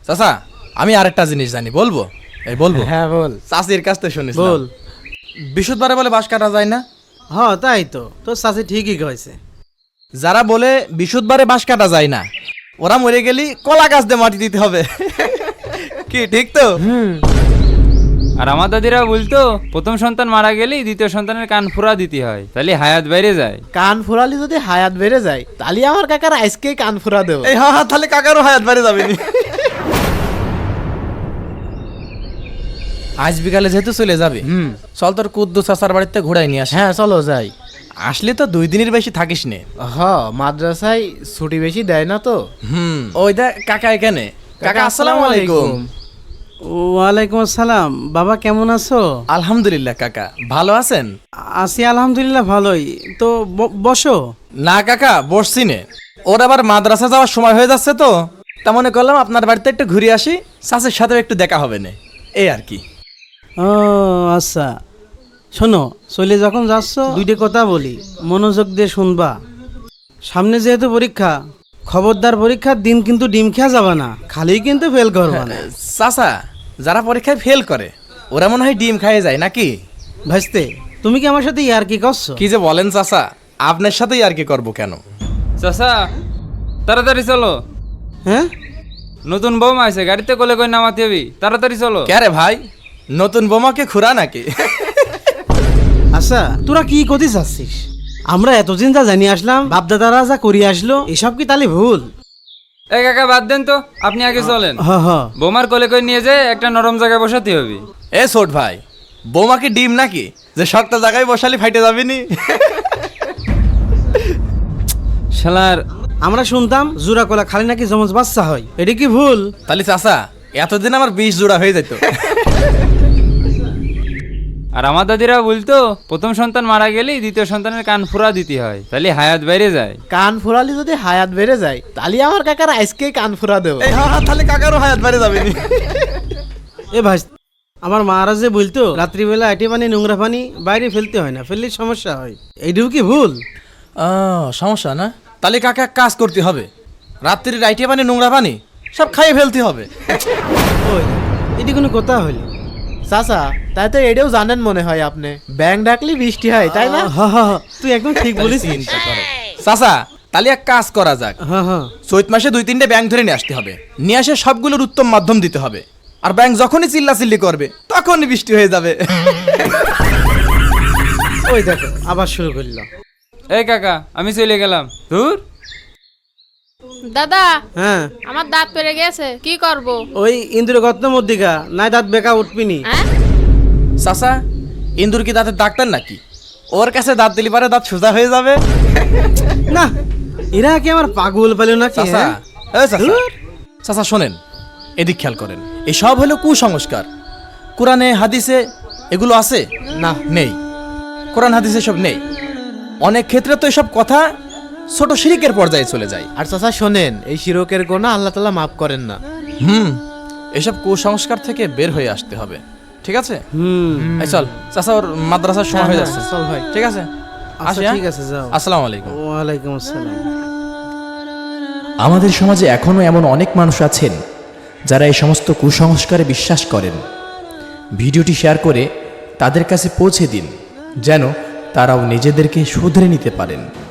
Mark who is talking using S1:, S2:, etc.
S1: চাচা আমি আরেকটা জিনিস জানি, বলবো? বলবো।
S2: হ্যাঁ বল।
S1: চাচির কাছ থেকে শুনিস
S2: বল।
S1: বিশুদ্ধবারে বলে বাঁশ কাটা যায় না।
S2: হ্যাঁ তাই তো, তোর চাচি ঠিকই কইছে।
S1: যারা বলে বিশুদ্ধবারে বাঁশ কাটা যায় না, ওরা মরে গেলি কলা গাছ দিয়ে মাটি দিতে হবে। কি ঠিক তো?
S3: আর আমার দাদিরা বলতো প্রথম সন্তান মারা গেলেই দ্বিতীয় সন্তানের কান ফুরা দিতে হয়, তাহলে হায়াত বাইরে যায়।
S2: কান ফুরালি যদি হায়াত বেড়ে যায়, তাহলে আমার কাকার আজকেই কান ফুরা দেবো।
S1: এই হ্যাঁ, তাহলে কাকারও হায়াত বাড়ে যাবে। আজ বিকালে যেহেতু চলে যাবে, চল তোর কুদ্দু চাচার বাড়িতে ঘুরাই নিয়ে আসি।
S2: হ্যাঁ চলো যাই।
S1: আসলে তো 2 দিনের বেশি থাকিস নে।
S2: মাদ্রাসায় ছুটি বেশি দেয় না তো।
S1: ওই দেখ কাকা এখানে। কাকা আসসালামু আলাইকুম।
S4: ওয়ালাইকুম আসসালাম। বাবা কেমন আছো?
S1: আলহামদুলিল্লাহ কাকা, ভালো আছেন?
S4: আছি আলহামদুলিল্লাহ ভালোই। তো বসো।
S1: না কাকা বসছি নে, ওর আবার মাদ্রাসা যাওয়ার সময় হয়ে যাচ্ছে তো, তা মনে করলাম আপনার বাড়িতে একটু ঘুরে আসি, চাচার সাথেও একটু দেখা হবে না, এই আর কি।
S4: ও আচ্ছা, শোনো, চলে যখন যাচ্ছ দুইটা কথা বলি, মনোযোগ দিয়ে শুনবা। সামনে যেহেতু পরীক্ষা, খবরদার পরীক্ষার দিন কিন্তু ডিম খেয়া যাবে না, খালি কিন্তু ফেল করবা না।
S1: চাচা যারা পরীক্ষায় ফেল করে ওরা মনে হয় ডিম খাইয়ে যায় নাকি?
S4: ভাইস্তে, তুমি কি আমার সাথে ইয়ার কি করছো?
S1: কি যে বলেন চাচা, আপনার সাথেই আর কি করবো কেন?
S3: চাচা তাড়াতাড়ি চলো,
S4: হ্যাঁ
S3: নতুন বৌমা আছে, গাড়িতে কোলে করে নামাতে হবি, তাড়াতাড়ি চলো।
S1: কে রে ভাই, নতুন বোমাকে খুরা নাকি?
S4: আচ্ছা, তোরা কি করতে চাচ্ছিস? আমরা এতদিন যা জানি আসলাম, বাপদাদারা যা করিয়ে আসলো, এসব কি তাহলে ভুল?
S3: এই কাকা বাদ দেন তো, আপনি আগে চলেন। বৌমার কোলে করে নিয়ে যায় একটা নরম জায়গায় বসাতে হবে।
S1: এ ছোট ভাই, বৌমাকে ডিম নাকি যে শক্ত জায়গায় বসালি ফাইটে যাবিনি?
S3: শালার,
S4: আমরা শুনতাম জোড়া কলা খালি নাকি জমজ বাচ্চা হয়, এটা কি ভুল?
S1: তাহলে চাচা এতদিন আমার 20 জোড়া হয়ে যেত।
S3: আর আমার দাদিরা বলতো প্রথম সন্তান মারা গেলেই দ্বিতীয় সন্তানের কান ফুরা দিতে হয়, তাহলে হায়াত বাইরে যায়।
S2: কান ফুরালি যদি হায়াত বেড়ে যায়, তাহলে আমার কাকার আজকেই কান ফুরা দেবো।
S1: এই হ্যাঁ, তাহলে কাকারও হায়াত বাড়ে যাবেনি।
S4: এ ভাই, আমার মারা যে বলতো রাত্রিবেলা এটি পানি নোংরা পানি বাইরে ফেলতে হয় না, ফেললে সমস্যা হয়, এইটুকু কি ভুল?
S1: সমস্যা না, তাহলে কাকা এক কাজ করতে হবে, রাত্রির রাইটে পানি নোংরা পানি সব খাইয়ে ফেলতে হবে।
S4: ওই এটি কোনো কথা হইল?
S2: চাচা তাই তো এটাও জানেন মনে হয় আপনি, ব্যাং ডাকলে বৃষ্টি হয় তাই না?
S4: তুই একদম ঠিক বলিস।
S1: চাচা তাহলে এক কাজ করা যাক, চৈত মাসে 2-3টে ব্যাংক ধরে নিয়ে আসতে হবে, নিয়ে আসে সবগুলোর উত্তম মাধ্যম দিতে হবে, আর ব্যাংক যখনই চিল্লাচিল্লি করবে তখনই বৃষ্টি হয়ে যাবে।
S4: ওই দেখো আবার শুরু করলো।
S3: এই কাকা আমি চলে গেলাম, দূর।
S5: দাদা,
S4: হ্যাঁ
S5: আমার দাঁত পেরে গেছে, কি করব?
S4: ওই ইন্দ্র গত্ত মধ্যিকা নাই দাঁত বেকা উঠবিনি।
S5: হ্যাঁ,
S1: চাচা ইন্দুর কি দাঁতের ডাক্তার নাকি? ওর কাছে দাঁত দিলি পারে দাঁত সোজা হয়ে যাবে।
S4: না, এরা কি আমার পাগল পেল নাকি?
S1: চাচা, চাচা শোনেন, এদিক খেয়াল করেন, এসব হলো কুসংস্কার। কোরআনে হাদিসে এগুলো আছে না? নেই, কোরআন হাদিসে সব নেই। অনেক ক্ষেত্রে তো এসব কথা ছোট শিরকের পর্যায়ে চলে যায়।
S2: আর চাচা শোনেন, এই শিরকের গোনা আল্লাহ তাআলা মাফ করেন না।
S1: এসব কুসংস্কার থেকে বের হয়ে আসতে হবে, ঠিক আছে? এই চল চাচা, ওর মাদ্রাসার সময় হয়ে যাচ্ছে,
S2: চল ভাই।
S1: ঠিক আছে? আসি,
S4: ঠিক আছে, যাও।
S1: আসসালামু আলাইকুম।
S4: ওয়ালাইকুম আসসালাম।
S6: আমাদের সমাজে এখনও এমন অনেক মানুষ আছেন যারা এই সমস্ত কুসংস্কারে বিশ্বাস করেন। ভিডিওটি শেয়ার করে তাদের কাছে পৌঁছে দিন, যেন তারাও নিজেদেরকে শুধরে নিতে পারেন।